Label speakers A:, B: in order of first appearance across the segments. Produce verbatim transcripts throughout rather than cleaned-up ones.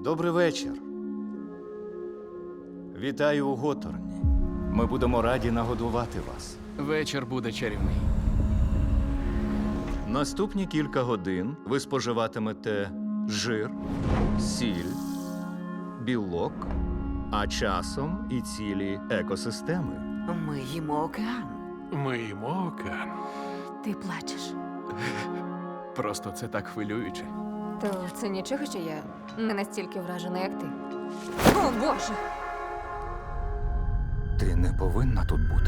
A: Добрий вечір. Вітаю у Готорні. Ми будемо раді нагодувати вас.
B: Вечір буде чарівний.
A: Наступні кілька годин ви споживатимете жир, сіль, білок, а часом і цілі екосистеми.
C: Ми їмо океан.
D: Ми їмо океан.
E: Ти плачеш.
B: Просто це так хвилююче.
E: То це нічого, що я не настільки вражена, як ти. О, Боже!
A: Ти не повинна тут бути.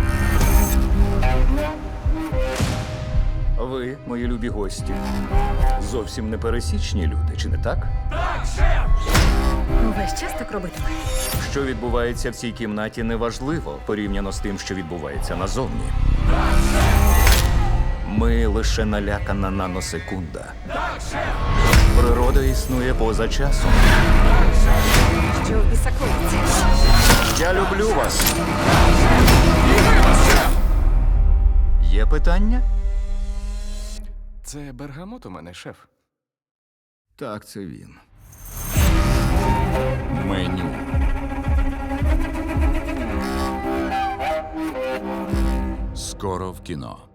A: Ви, мої любі гості, зовсім не пересічні люди, чи не так?
E: Увесь час так робитиме.
A: Що відбувається в цій кімнаті, неважливо порівняно з тим, що відбувається назовні. Ми лише налякана наносекунда. Природа існує поза часом.
E: Що в біса коїться?
A: Я люблю вас. Є питання?
B: Це бергамот у мене, шеф.
A: Так, це він. Меню.
F: Скоро в кіно.